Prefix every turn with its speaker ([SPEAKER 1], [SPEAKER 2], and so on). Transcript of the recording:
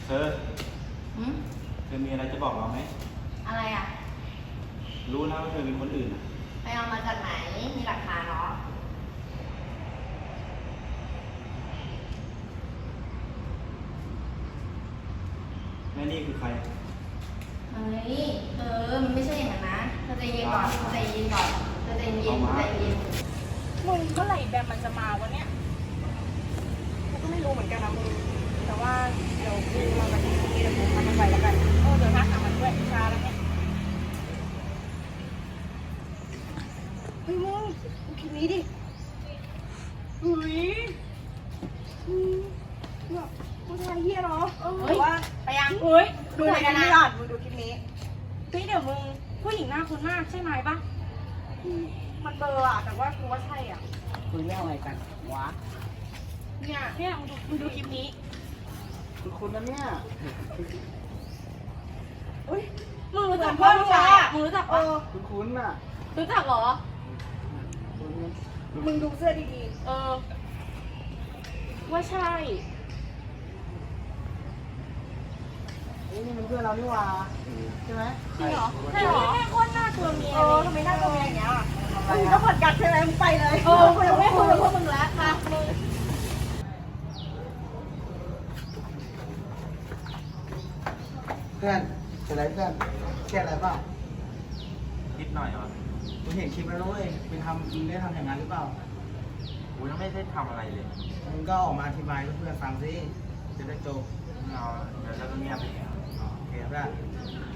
[SPEAKER 1] อ
[SPEAKER 2] หืม
[SPEAKER 1] เธอมีอะไรจะบอกเราไหม
[SPEAKER 2] อะไรอ่ะ
[SPEAKER 1] รู้นะว่าเธอเป็นคนอื่นอะ
[SPEAKER 2] ไปเอามาจากไหนมีหลักฐานเนาะ
[SPEAKER 1] แม่นี่คือใคร
[SPEAKER 2] เฮ้ยมันไม่ใช่อย่างนั้นนะเธอใจเย็นก่อนเธอใจเย็นก่อนเธอใจเย็นใจเย็น
[SPEAKER 3] มึงเมื่อไหร่แบมมันจะมาวะเนี่ยกูก็ไม่รู้เหมือนกันนะมึงแต่ว่าเดี๋ยวกูมาวันนี้เดี๋ยวกูทำมันไปแล้วกันเดี๋ยวทักหามันด้วยช้าแล้วเนี่ยเฮ้ยมึงดูคลิปนี้ดิเฮ้ยเนี่ยผู้ชายเฮียเนาะหรือว่าไปยังเฮ้ยดูในกันก่อนมึงดูคลิปนี้เฮ้ยเดี๋ยวมึงผู้หญิงหน้าคุ้นมากใช่ไหมปะมันเบลออะแต่ว่ากูว่าใช่อ่ะ
[SPEAKER 4] คุยเรื่องอะไรกันวะ
[SPEAKER 3] เนี่ยมึงดูคลิปนี้
[SPEAKER 4] คุณนะเนี่ย
[SPEAKER 3] อุ้ยมึงรู้จักพ่อมึงเหรอมึงรู้จัก
[SPEAKER 4] คุณน่ะ
[SPEAKER 3] รู้จักเหรอ
[SPEAKER 4] คุณ
[SPEAKER 3] มึงดูเสื้อดีๆว่าใช่
[SPEAKER 4] นี่มันเพื่อนเรานี่หว่าใช่ไหม
[SPEAKER 3] จริงเหรอใช่เหรอแม่โคตรน่ากลัวเมียทำไมน่ากลัวเมียอย่างเงี้ยมึงก็ผดกัดใช่ไหมมึงไปเลยกูยังไม่คุยกับพวกมึงแล้วมามึง
[SPEAKER 4] เพื่อนเป็นไรเพื่อนเครียดอะไรเปล่า
[SPEAKER 1] นิดหน่อยเหรอ
[SPEAKER 4] กูเห็นคลิปแล้วนะเว้ยเป็นมึงได้ทำอย่างนั้นหรือเปล่า
[SPEAKER 1] กูยังไม่ได้ทำอะไรเลย
[SPEAKER 4] มึงก็ออกมาอธิบายให้เพื่อนฟังสิจะได้จบ
[SPEAKER 1] ไม่เอาเดี๋ยวเราก็เงียบไปเอง
[SPEAKER 4] โอเคเพื่อน